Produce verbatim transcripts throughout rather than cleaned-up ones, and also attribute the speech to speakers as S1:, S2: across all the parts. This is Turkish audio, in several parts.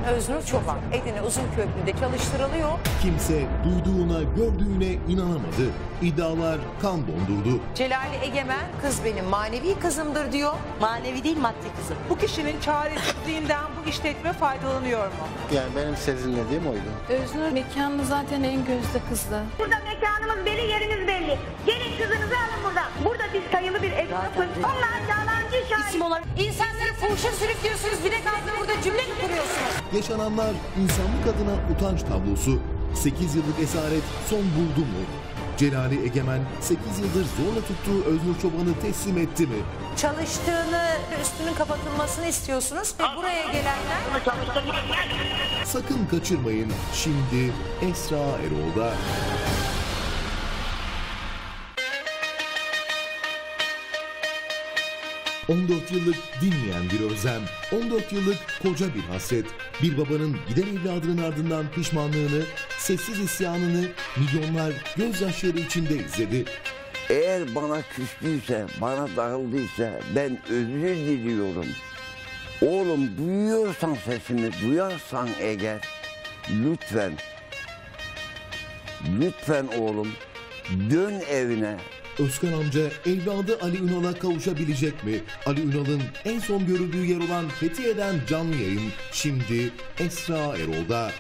S1: Öznur Çoban Edirne Uzunköprü'de çalıştırılıyor.
S2: Kimse duyduğuna, gördüğüne inanamadı. İddialar kan dondurdu.
S1: Celali Egemen kız benim manevi kızımdır diyor.
S3: Manevi değil, maddi kızım.
S4: Bu kişinin çaresizliğinden bu işletme faydalanıyor mu?
S5: Yani benim sezinlediğim oydu.
S6: Öznur mekanı zaten en gözde kızdı.
S7: Burada mekanımız belli, yerimiz belli. Gelin kızınızı alın buradan. Burada biz sayılı bir esnafız. Onlar yalancı şahit.
S3: İsim olarak
S1: İnsanları fuhuşa sürüklüyorsunuz, bir de kalkıp burada cümle mi kuruyorsunuz?
S2: Yaşananlar insanlık adına utanç tablosu. sekiz yıllık esaret son buldu mu? Celali Egemen sekiz yıldır zorla tuttuğu Öznur Çoban'ı teslim etti mi?
S1: Çalıştığını, üstünün kapatılmasını istiyorsunuz ve buraya gelenler...
S2: Sakın kaçırmayın. Şimdi Esra Erol'da. on dört yıllık dinmeyen bir özlem, on dört yıllık koca bir hasret, bir babanın giden evladının ardından pişmanlığını, sessiz isyanını milyonlar gözyaşları içinde izledi.
S8: Eğer bana küstüyse, bana darıldıysa ben özür diliyorum. Oğlum duyuyorsan sesimi, duyarsan eğer lütfen, lütfen oğlum dön evine.
S2: Özkan amca evladı Ali Ünal'a kavuşabilecek mi? Ali Ünal'ın en son görüldüğü yer olan Fethiye'den canlı yayın şimdi Esra Erol'da.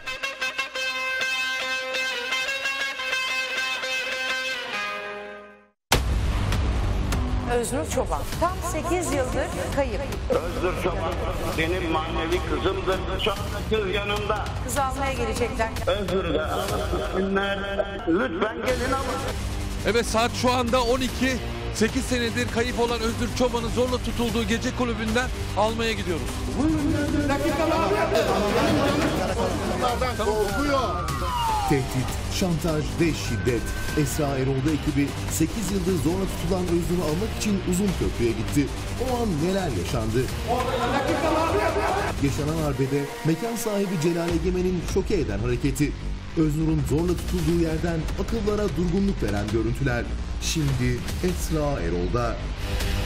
S1: Öznur Çoban tam sekiz yıldır kayıp.
S9: Öznur Çoban benim manevi kızımdır. Çok kız yanımda.
S1: Kız almaya gelecekler.
S9: Öznur'u da alsınlar. Lütfen gelin alın.
S10: Evet, saat şu anda on iki. sekiz senedir kayıp olan Öznur Çoban'ın zorla tutulduğu gece kulübünden almaya gidiyoruz.
S2: Tehdit, şantaj ve şiddet. Esra Erol'da ekibi sekiz yıldır zorla tutulan Öznur'u almak için Uzunköprü'ye gitti. O an neler yaşandı? Yaşanan arbede mekan sahibi Celal Egemen'in şoke eden hareketi. Öznur'un zorla tutulduğu yerden akıllara durgunluk veren görüntüler. Şimdi Esra Erol'da.